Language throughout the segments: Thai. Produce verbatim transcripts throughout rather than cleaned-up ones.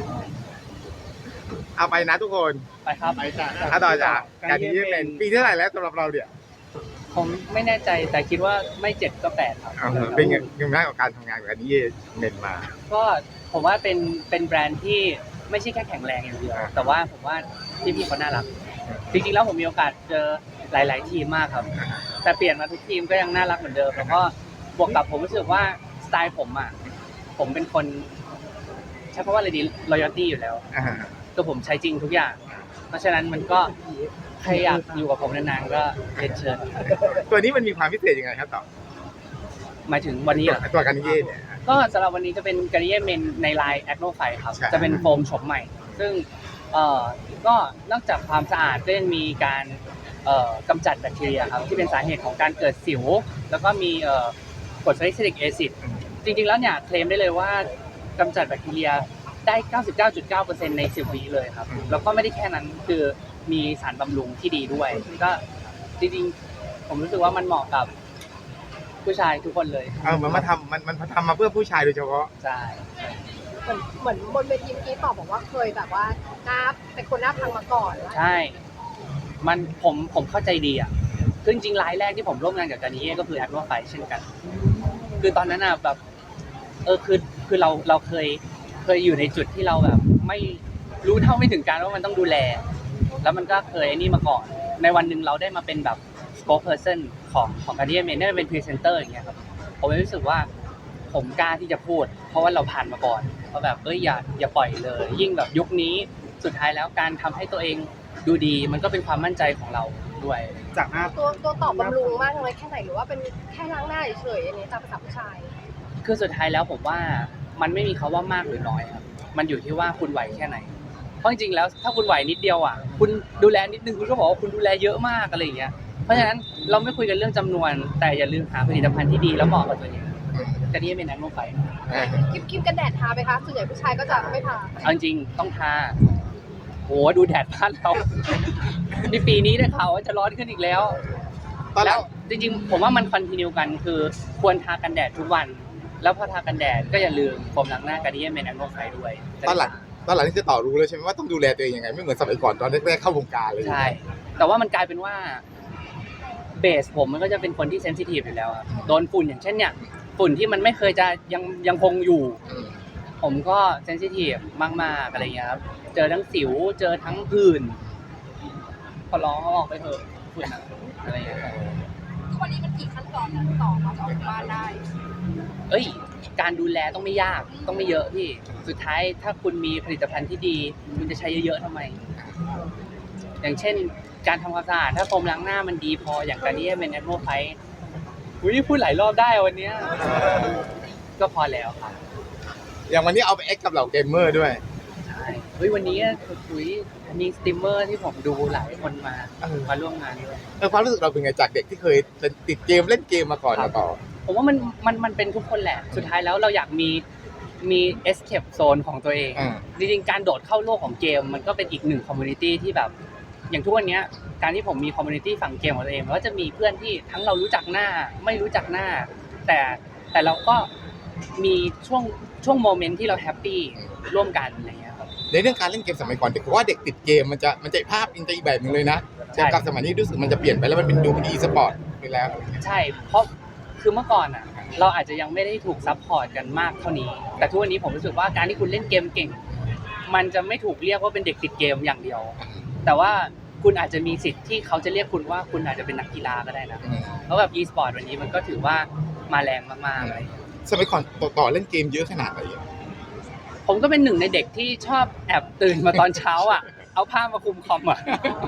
เอาไปนะทุกคนไปครับไปจ้ะถ้าต่อจากการที่เป็นปีที่เท่าไหร่แล้วสำหรับเราเนี่ยผมไม่แน่ใจแต่คิดว่าไม่เจ็ดก็แปดครับเป็นไงยังไงกับการทำงานกับการที่เมนมาก็ผมว่าเป็นเป็นแบรนด์ที่ไม่ใช่แค่แข็งแรงอย่างเดียวแต่ว่าผมว่าพี่พี่เขาน่ารักจริงๆแล้วผมมีโอกาสเจอหลายๆทีมมากครับแต่เปลี่ยนมาทุกทีมก็ยังน่ารักเหมือนเดิมแล้วก็บวกกับผมรู้สึกว่าสไตล์ผมอ่ะผมเป็นคนใช้คำว่าอะไรดี loyalty อยู่แล้วก็ผมใช้จริงทุกอย่างเพราะฉะนั้นมันก็ใครอยากอยู่กับผมนานๆก็เรียนเชิญตัวนี้มันมีความพิเศษยังไงครับต่อหมายถึงวันนี้เหรอตัวการนิเย่เนี่ยก็สำหรับวันนี้จะเป็นการนิเย่เมนในไลน์แอคโนไฟครับจะเป็นโฟมโฉมใหม่ซึ่งเอ่อก็นอกจากความสะอาดก็ยังมีการเอ่อกำจัดแบคทีเรียครับที่เป็นสาเหตุของการเกิดสิวแล้วก็มีเอ่อกรดซาลิซิลิกแอซิดจริงๆแล้วเนี่ยเคลมได้เลยว่ากำจัดแบคทีเรียได้ เก้าสิบเก้าจุดเก้าเปอร์เซ็นต์ ในสิบวิเลยครับแล้วก็ไม่ได้แค่นั้นคือมีสารบำรุงที่ดีด้วยก็จริงๆผมรู้สึกว่ามันเหมาะกับผู้ชายทุกคนเลยเออมันมาทำมันมันทำมาเพื่อผู้ชายโดยเฉพาะใช่เหมือนเหมือนบนเวทีเมื่อกี้ตอบบอกว่าเคยแบบว่าหน้าเป็นคนหน้าพังมาก่อนใช่มันผมผมเข้าใจดีอ่ะคือจริงๆรายแรกที่ผมร่วมงานกับการนิเย่ก็คือแอคโนไฟเช่นกันคือตอนนั้นอ่ะแบบเออคือคือเราเราเคยเคยอยู่ในจุดที่เราแบบไม่รู้เท่าไม่ถึงการว่ามันต้องดูแลแล้วมันก็เคยนี่มาก่อนในวันหนึ่งเราได้มาเป็นแบบ spokesperson ของของการนิเย่เมนได้เป็นพรีเซนเตอร์อย่างเงี้ยครับผมรู้สึกว่าผมกล้าที่จะพูดเพราะว่าเราผ่านมาก่อนเพราะแบบเอ้ยอย่าอย่าปล่อยเลยยิ่งแบบยุคนี้สุดท้ายแล้วการทำให้ตัวเองดูดีมันก็เป็นความมั่นใจของเราด้วยจากหน้าตัวตัวตอบบำรุงมากเลยแค่ไหนหรือว่าเป็นแค่ล้างหน้าเฉยๆอันนี้ตามภาษาผู้ชายคือสุดท้ายแล้วผมว่ามันไม่มีคำว่ามากหรือน้อยครับมันอยู่ที่ว่าคุณไหวแค่ไหนเพราะจริงๆแล้วถ้าคุณไหวนิดเดียวอ่ะคุณดูแลนิดนึงคุณก็บอกว่าคุณดูแลเยอะมากอะไรอย่างเงี้ยเพราะฉะนั้นเราไม่คุยกันเรื่องจำนวนแต่อย่าลืมหาผลิตภัณฑ์ที่ดีแล้วเหมาะกับตัวเองการนี้เป็นแอคโนไฟคลิปคลิปกันแดดทาไหมคะส่วนใหญ่ผู้ชายก็จะไม่ทาเอาจริงต้องทาโอ้ดูแดดบ้านเราในปีนี้ได้ข่าวว่าจะร้อนขึ้นอีกแล้วแล้วจริงๆผมว่ามันคอนติเนียกันคือควรทากันแดดทุกวันแล้วพอทากันแดดก็อย่าลืมโฟมล้างหน้าการนี้เป็นแอคโนไฟด้วยตอนหลังตอนหลังนี่คือต่อรู้เลยใช่ไหมว่าต้องดูแลตัวเองยังไงไม่เหมือนสมัยก่อนตอนแรกๆเข้าวงการเลยใช่แต่ว่ามันกลายเป็นว่าเบสผมมันก็จะเป็นคนที่เซนซิทีฟอยู่แล้วโดนฝุ่นอย่างเช่นเนี่ยฝุ่นที่มันไม่เคยจะยังยังคงอยู่ผมก็เซนซิทีฟมากๆอะไรเงี้ยครับเจอทั้งสิวเจอทั้งผื่นขอร้องเอาออกไปเถอะฝุ่นอะไรเงี้ยทุกวันนี้มันกี่ขั้นตอนนะต่อมาจะออกบ้านได้เอ้ยการดูแลต้องไม่ยากต้องไม่เยอะพี่สุดท้ายถ้าคุณมีผลิตภัณฑ์ที่ดีคุณจะใช้เยอะๆทำไมอย่างเช่นการทำความสะอาดถ้าโฟมล้างหน้ามันดีพออย่างการนี้เป็นแอคโนไฟอุ้ยพูดหลายรอบได้วันนี้ก็พอแล้วครับอย่างวันนี้เอาไปเอ็กกับเหล่าเกมเมอร์ด้วยใช่เฮ้ยวันนี้คุยมีสตรีมเมอร์ที่ผมดูหลายคนมามาร่วมงานด้วยเออความรู้สึกเราเป็นไงจากเด็กที่เคยติดเกมเล่นเกมมาก่อนมาต่อผมว่ามันมันมันเป็นทุกคนแหละสุดท้ายแล้วเราอยากมีมีเอสเคปโซนของตัวเองจริงๆการโดดเข้าโลกของเกมมันก็เป็นอีกหนึ่งคอมมูนิตี้ที่แบบอย่างทุกวันนี้การที่ผมมีคอมมูนิตี้ฝั่งเกมของตัวเองก็จะมีเพื่อนที่ทั้งเรารู้จักหน้าไม่รู้จักหน้าแต่แต่เราก็มีช่วงช่วงโมเมนต์ที่เราแฮปปี้ร่วมกันอะไรเงี้ยครับในเรื่องการเล่นเกมสมัยก่อนเด็กเพราะว่าเด็กติดเกมมันจะมันจะภาพอินเตอร์อีกแบบนึงเลยนะแต่กับสมัยนี้รู้สึกมันจะเปลี่ยนไปแล้วมันเป็นดูเป็นอีสปอร์ตไปแล้วใช่เพราะคือเมื่อก่อนอ่ะเราอาจจะยังไม่ได้ถูกซัพพอร์ตกันมากเท่านี้แต่ทุกวันนี้ผมรู้สึกว่าการที่คุณเล่นเกมเก่งมันจะไม่ถูกเรียกว่าเป็นเด็กติดเกมอย่างเดียวแต่ว่าคุณอาจจะมีสิทธิ์ที่เขาจะเรียกคุณว่าคุณอาจจะเป็นนักกีฬาก็ได้นะเพราะแบบ e-sport วันนี้มันก็ถือว่ามาแรงมากๆเลยสมัยก่อนต่อเล่นเกมเยอะขนาดไหนผมก็เป็นหนึ่งในเด็กที่ชอบแอบตื่นมาตอนเช้าอ่ะเอาผ้ามาคลุมคอมอ่ะ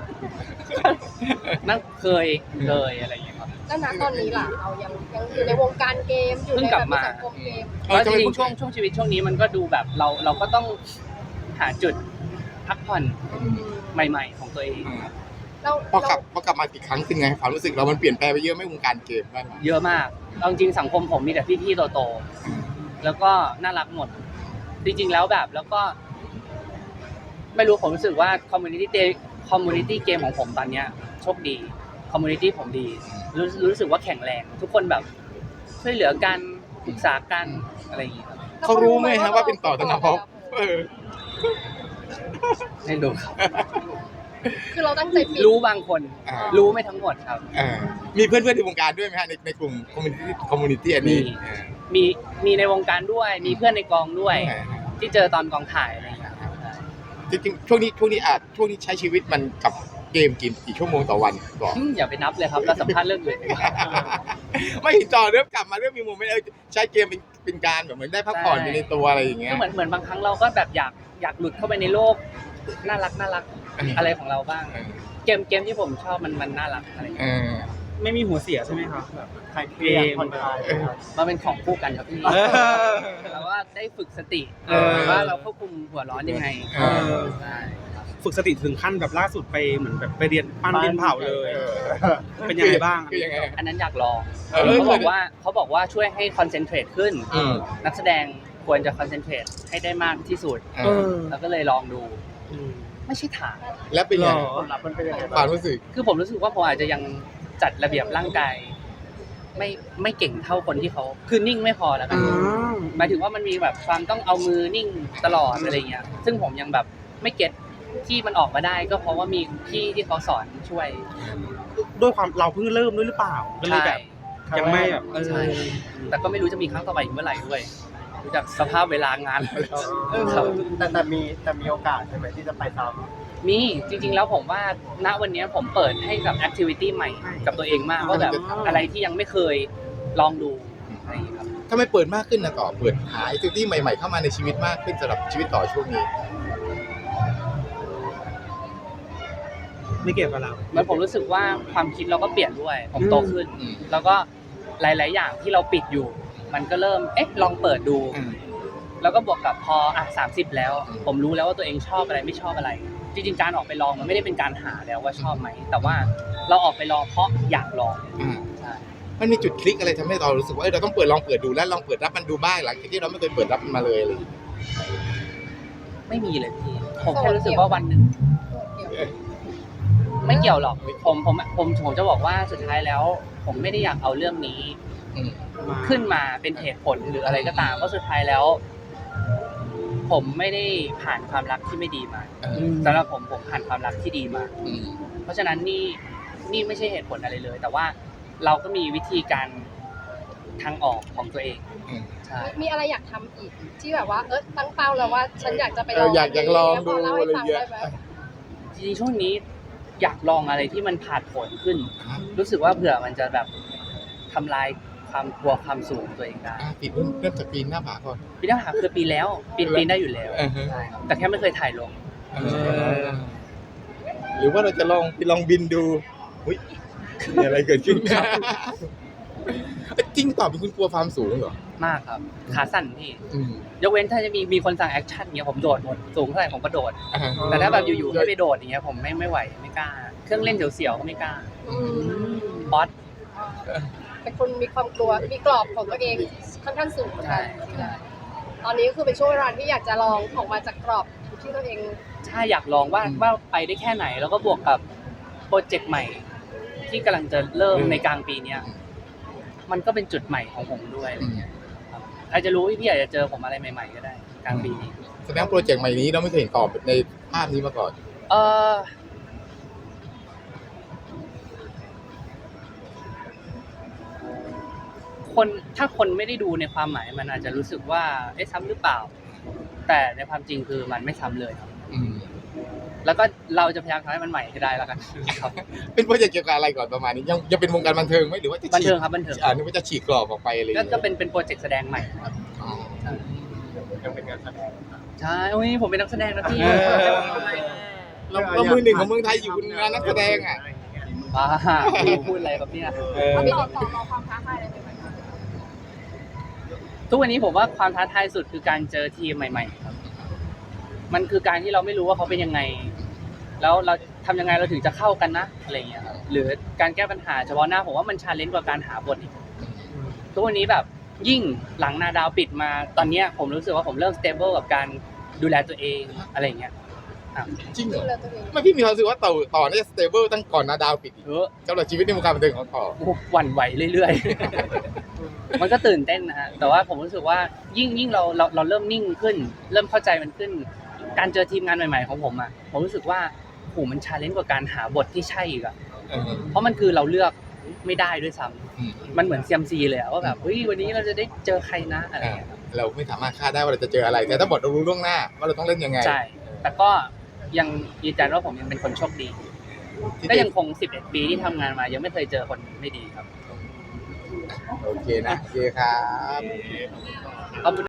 นั่นเคยเลยอะไรอย่างเงี้ยครับแล้วณตอนนี้ล่ะเรายังยังอยู่ในวงการเกมอยู่ในแบบสังคมเกมแล้วจริงๆช่วงช่วงชีวิตช่วงนี้มันก็ดูแบบเราเราก็ต้องหาจุดพักผ่อนใหม่ๆของตัวเองพอกลับพอกลับมาอีกครั้งเป็นไงความรู้สึกเรามันเปลี่ยนแปลงไปเยอะไหมวงการเกมบ้างเยอะมากเอาจริงสังคมผมมีแต่พี่ๆโตๆแล้วก็น่ารักหมดจริงๆแล้วแบบแล้วก็ไม่รู้ผมรู้สึกว่าคอมมูนิตี้คอมมูนิตี้เกมของผมตอนเนี้ยโชคดีคอมมูนิตี้ผมดีรู้รู้สึกว่าแข็งแรงทุกคนแบบช่วยเหลือกันปรึกษากันอะไรอย่างเงี้ยเขารู้ไหมครับว่าเป็นต่อธนภพไม่รู้ครับคือเราตั้งใจปิดรู้บางคนอ่ารู้ไม่ทั้งหมดครับเออมีเพื่อนๆในวงการด้วยไหมฮะในในกลุ่มคอมมูนิตี้คอมมูนิตี้อันนี้มี มีมีในวงการด้วย มีเพื่อนในกองด้วยเออที่เจอตอนกองถ่ายอะไรอย่างเงี้ยครับใช่จริงๆช่วงนี้ช่วงนี้อาจช่วงนี้ใช้ชีวิตมันกับเกมกี่กี่ชั่วโมงต่อวันก่อนอืมอย่าไปนับเลยครับเราสัมภาษณ์เรื่องอื่นดีกว่าไม่เห็นจอเริ่มกลับมาเริ่มมีโมเมนต์เออใช้เกมเป็นเป็นการแบบเหมือนได้พักผ่อนไปในตัวอะไรอย่างเงี้ยก็เหมือนเหมือนบางครั้งเราก็แบบอยากอยากหลุดเข้าไปในโลกน่ารักน่ารักอะไรของเราบ้างเออเกมเกมที่ผมชอบมันมันน่ารักอะไรอย่างเอเงี้ยอไม่มีหัวเสียใช่ไหมครับแบบใครเครียดผ่อนคลายนะครับมันเป็นของคู่กันครับพี่เออเราว่าได้ฝึกสติเออว่าเราควบคุมหัวร้อนยังไงเออใช่ฝึกสติถึงขั้นแบบล่าสุดไปเหมือนแบบไปเรียนปั้นดินเผาเลยเออเป็นยังไงบ้างคือยังไงอันนั้นอยากลองเออเขาบอกว่าเขาบอกว่าช่วยให้คอนเซนเทรตขึ้นอืมนักแสดงควรจะคอนเซนเทรตให้ได้มากที่สุดเอเอออแล้วก็เลยลองดูอืมไม่ใช่ถามแล้วเป็นหรยังอไงผลลัพธ์มันเป็นยังไงคบ้างวามรู้สึกคือผมรู้สึกว่าผมอาจจะยังจัดระเบียบร่างกายไม่ไม่เก่งเท่าคนที่เขาคือนิ่งไม่พอแล้วกันอ่าหมายถึงว่ามันมีแบบความต้องเอามือนิ่งตลอดอะไรเงี้ย ซึ่งผมยังแบบไม่เก็ตที่มันออกมาได้ก็เพราะว่ามีพี่ที่เขาสอนช่วยด้วยความเราเพิ่งเริ่มด้วยหรือเปล่าก็เลยใช่แบบยังไม่แบบเออใช่แต่ก็ไม่รู้จะมีครั้งต่อไปอีกเมื่อไหร่ด้วยดูจากสภาพเวลางานครับแต่แต่มีแต่มีโอกาสใช่ไหมที่จะไปซ้มีจริงๆแล้วผมว่าณวันนี้ผมเปิดให้กับแอคทิวิตี้ใหม่กับตัวเองมากว่าแบบอะไรที่ยังไม่เคยลองดูอะไรอย่างเงี้ยครับถ้าไม่เปิดมากขึ้นนะต่อเปิดหาไอซิตี้ใหม่ๆเข้ามาในชีวิตมากขึ้นสำหรับชีวิตต่อช่วงนี้ไม่เกี่ยวกับเราเหมือนผมรู้สึกว่าความคิดเราก็เปลี่ยนด้วย ผมโตขึ้นอืมแล้วก็หลาย ๆ อย่างที่เราปิดอยู่ มันก็เริ่มเอ๊ะลองเปิดดูอืมแล้วก็บวกกับพออ่ะสามสิบแล้วอืมผมรู้แล้วว่าตัวเองชอบอะไรไม่ชอบอะไร จริง ๆ การออกไปลองมันไม่ได้เป็นการหาแล้วว่าชอบไหม แต่ว่าเราออกไปลองเพราะอยากลองอืมใช่มันมีจุดคลิกอะไรทำให้เรารู้สึกว่าเออเราต้องเปิดลองเปิดดูแล้วลองเปิดรับมันดูบ้างหลังจากที่เราไม่เคยเปิดรับมันมาเลยอะไรอย่างเงี้ยไม่มีเลยพี่ ผมแค่รู้สึกว่าวันหนึ่งเดี๋ยวไม่เกี่ยวหรอก ผมผมผมผมจะบอกว่าสุดท้ายแล้ว ผมไม่ได้อยากเอาเรื่องนี้อืมขึ้นมาเป็นเหตุผลหรืออะไรก็ตามเพราะสุดท้ายแล้ว ผมไม่ได้ผ่านความรักที่ไม่ดีมาเออสำหรับผมผมผ่านความรักที่ดีมาอืมเพราะฉะนั้นนี่นี่ไม่ใช่เหตุผลอะไรเลย แต่ว่าเราก็มีวิธีการทางออกของตัวเองอืมใช่มีอะไรอยากทำอีกที่แบบว่าเออตั้งเป้าแล้วว่าฉันอยากจะไปลเอองออยากอยากลองดูพเล่าให้อะไรฟังเงี้ยได้ไหมจริงๆช่วงนี้อยากลองอะไรที่มันผ่านผลขึ้น รู้สึกว่าเผื่อมันจะแบบทำลายความกลัวความสูงตัวเองได้อ่ะปีนเริ่มเริ่มจากปีนหน้าผาก่อนปีหน้าผาคือปีแล้วปีนปีนได้อยู่แล้วอือฮึใช่ครับแต่แค่ไม่เคยถ่ายลงเออหรือว่าเราจะลองไปลองบินดูอุ้ยมีอะไรเกิดขึ้นจริงตอบเป็นคุณกลัวความสูงเหรอมากครับขาสั่นพี่อืมยกเว้นถ้าจะมีมีคนสั่งแอคชั่นเงี้ยผมโดดหมดสูงเท่าไหร่ผมก็โดดอ่าแต่ถ้าแบบอยู่ๆให้ไปโดดอย่างเงี้ยผมไม่ไม่ไหวไม่กล้า เครื่องเล่นเสียวๆก็ไม่กล้าอืมบอสเป็นคนมีความกลัวมีกรอบของตัวเองค่อนข้างสูงเหมือนกันใช่ตอนนี้ก็คือเป็นช่วงเวลาที่อยากจะลองออกมาจากกรอบที่ตัวเองใช่อยากลองว่าว่าไปได้แค่ไหน แล้วก็บวกกับโปรเจกต์ใหม่ ที่กำลังจะเริ่มในกลางปีเนี้ยมันก็เป็นจุดใหม่ของผมด้วยอะไรเงี้ยครับใครจะรู้พี่พี่อาจจะเจอผมอะไรใหม่ ๆ ก็ได้กลางปีนี้แสดงโปรเจกต์ใหม่นี้เราไม่เคยเห็นตอบในภาพนี้มาก่อนเออคนถ้าคนไม่ได้ดูในความหมายมันอาจจะรู้สึกว่าเอ๊ะซ้ำหรือเปล่า แต่ในความจริงคือมันไม่ซ้ำเลยครับอืมแล้วก็เราจะพยายามทำให้มันใหม่ให้ได้แล้วกันครับเป็นโปรเจกต์เกี่ยวกับอะไรก่อนประมาณนี้ยังยังเป็นวงการบันเทิงไหมหรือว่าจะบันฉีเทิกงครับบันเทิงอ่านึกว่าจะฉีกกรอบออกไปอะไรอย่างก็เงี้ยก็เป็นเป็นโปรเจกต์แสดงใหม่ครับอ๋อยังเป็นงานแสดงใช่โอ้ยผมเป็นนักแสดงนะพี่เออเราเรามือหนึ่งของเมืองไทยอยู่งานนักแสดงอ่ะว้าพี่พูดอะไรครับเนี่ยเออต่อต่อรอความท้าทายอะไรใหม่ทุกวันนี้ผมว่าความท้าทายสุดคือการเจอทีมใหม่ ๆ ครับ มันคือการที่เราไม่รู้ว่าเขาเป็นยังไง แล้วเราทำยังไงเราถึงจะเข้ากันนะอะไรเงี้ยครับหรือการแก้ปัญหาเฉพาะหน้าผมว่ามันชาเลนจ์กว่าการหาบทอีกทุกวันนี้แบบยิ่งหลังนาดาวปิดมาตอนเนี้ยผมรู้สึกว่าผมเริ่มสเตเบิลกับการดูแลตัวเองอะไรเงี้ยอ่ะจริงๆเหรดูอแลตัวเองไม่พี่มีความรู้สึกว่าต่อต่อเนี่ยสเตเบิลตั้งก่อนนาดาวปิดอีกเออสำหรับชีวิตในวงการบันเทิงของต่อโอ้โหหวั่นไหวเรื่อยๆ มันก็ตื่นเต้นนะฮะแต่ว่าผมรู้สึกว่ายิ่งยิ่งเราเราเราเริ่มนิ่งขึ้น เริ่มเข้าใจมันขึ้นการเจอทีมงานใหม่ๆของผมอ่ะผมรู้สึกว่าโหมันชาเลนจ์กว่าการหาบทที่ใช่อีกอ่ะเออเพราะมันคือเราเลือกไม่ได้ด้วยซ้อืมำมันเหมือนเซียมซีเลยอะว่าแบบเฮ้ยวันนี้เราจะได้เจอใครนะอะไรอย่างเงี้ยครับเราไม่สามารถคาดได้ว่าเราจะเจออะไร แต่ถ้าบทเรารู้ล่วงหน้าว่าเราต้องเล่นยังไงใช่ แต่ก็ยังยืนยันว่าผมยังเป็นคนโชคดีที่ก็ยังคงสิบเอ็ดปีที่ทำงานมายังไม่เคยเจอคนไม่ดีครับโอเคนะโอเคครับขอบคุณ